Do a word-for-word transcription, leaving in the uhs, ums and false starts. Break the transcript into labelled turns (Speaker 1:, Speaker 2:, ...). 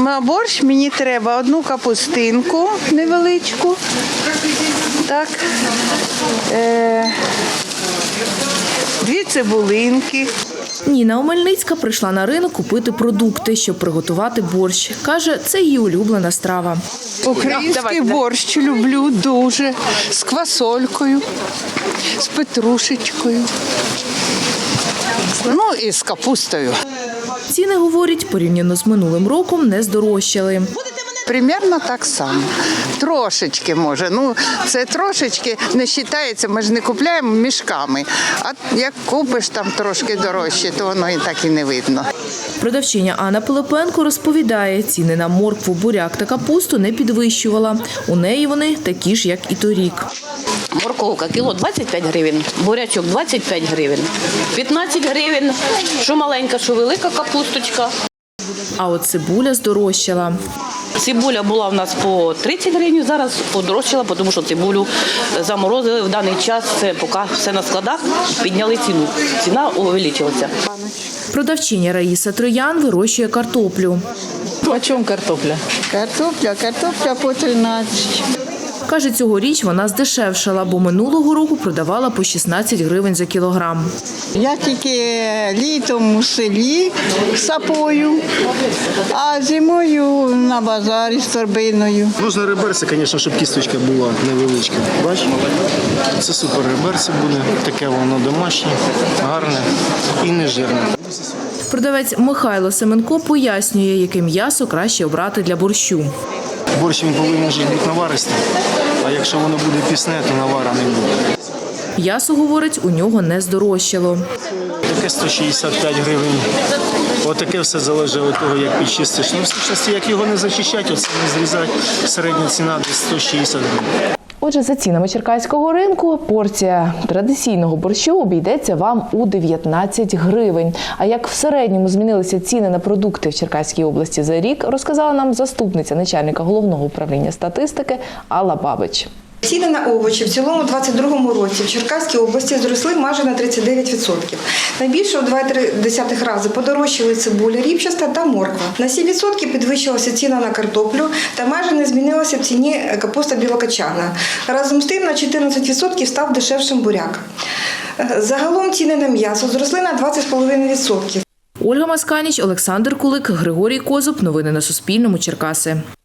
Speaker 1: На борщ мені треба одну капустинку невеличку, так, е, дві цибулинки.
Speaker 2: Ніна Омельницька прийшла на ринок купити продукти, щоб приготувати борщ. Каже, це її улюблена страва.
Speaker 1: Український борщ люблю дуже, з квасолькою, з петрушечкою, ну і з капустою.
Speaker 2: Ціни, говорять, порівняно з минулим роком не здорожчали.
Speaker 1: Примерно так само. Трошечки може. Ну, це трошечки не вважається, ми ж не купуємо мішками. А як купиш там трошки дорожче, то воно і так і не видно.
Speaker 2: Продавчиня Анна Пилипенко розповідає, ціни на моркву, буряк та капусту не підвищувала. У неї вони такі ж, як і торік.
Speaker 3: Морковка кіло двадцять п'ять гривень, бурячок двадцять п'ять гривень, п'ятнадцять гривень, що маленька, що велика капусточка.
Speaker 2: А от цибуля здорожчала.
Speaker 3: Цибуля була в нас по тридцять гривень, зараз подорожчала, тому що цибулю заморозили в даний час, це поки все на складах, підняли ціну. Ціна увеличилася.
Speaker 2: Продавчиня Раїса Троян вирощує картоплю.
Speaker 4: По чому картопля?
Speaker 1: Картопля, картопля по тринадцять.
Speaker 2: Каже, цьогоріч вона здешевшала, бо минулого року продавала по шістнадцять гривень за кілограм.
Speaker 1: Я тільки літом у селі сапою, а зимою на базарі з торбиною.
Speaker 5: Нужно реберце, звісно, щоб кісточка була невеличка. Бачиш? Це супер реберце буде, таке воно домашнє, гарне і не жирне.
Speaker 2: Продавець Михайло Семенко пояснює, яке м'ясо краще обрати для борщу.
Speaker 5: Борщ він повинен ж бути наваристий, а якщо воно буде пісне, то навара не буде.
Speaker 2: М'ясо, говорить, у нього не здорожчало.
Speaker 5: Таке сто шістдесят п'ять гривень. Отаке все залежить від того, як підчистиш. Ну, в сущності, як його не зачищати, оце не зрізати, середня ціна десь сто шістдесят гривень.
Speaker 6: Отже, за цінами черкаського ринку порція традиційного борщу обійдеться вам у дев'ятнадцять гривень. А як в середньому змінилися ціни на продукти в Черкаській області за рік, розказала нам заступниця начальника Головного управління статистики Алла Бабич.
Speaker 7: Ціни на овочі в цілому у двадцять другому році в Черкаській області зросли майже на тридцять дев'ять відсотків. Найбільше у два цілих три десятих рази подорожчали цибуля ріпчаста та морква. На сім відсотків підвищилася ціна на картоплю та майже не змінилася в ціні капуста білокачана. Разом з тим на чотирнадцять відсотків став дешевшим буряк. Загалом ціни на м'ясо зросли на двадцять цілих п'ять десятих відсотків.
Speaker 2: Ольга Масканіч, Олександр Кулик, Григорій Козуб. Новини на Суспільному. Черкаси.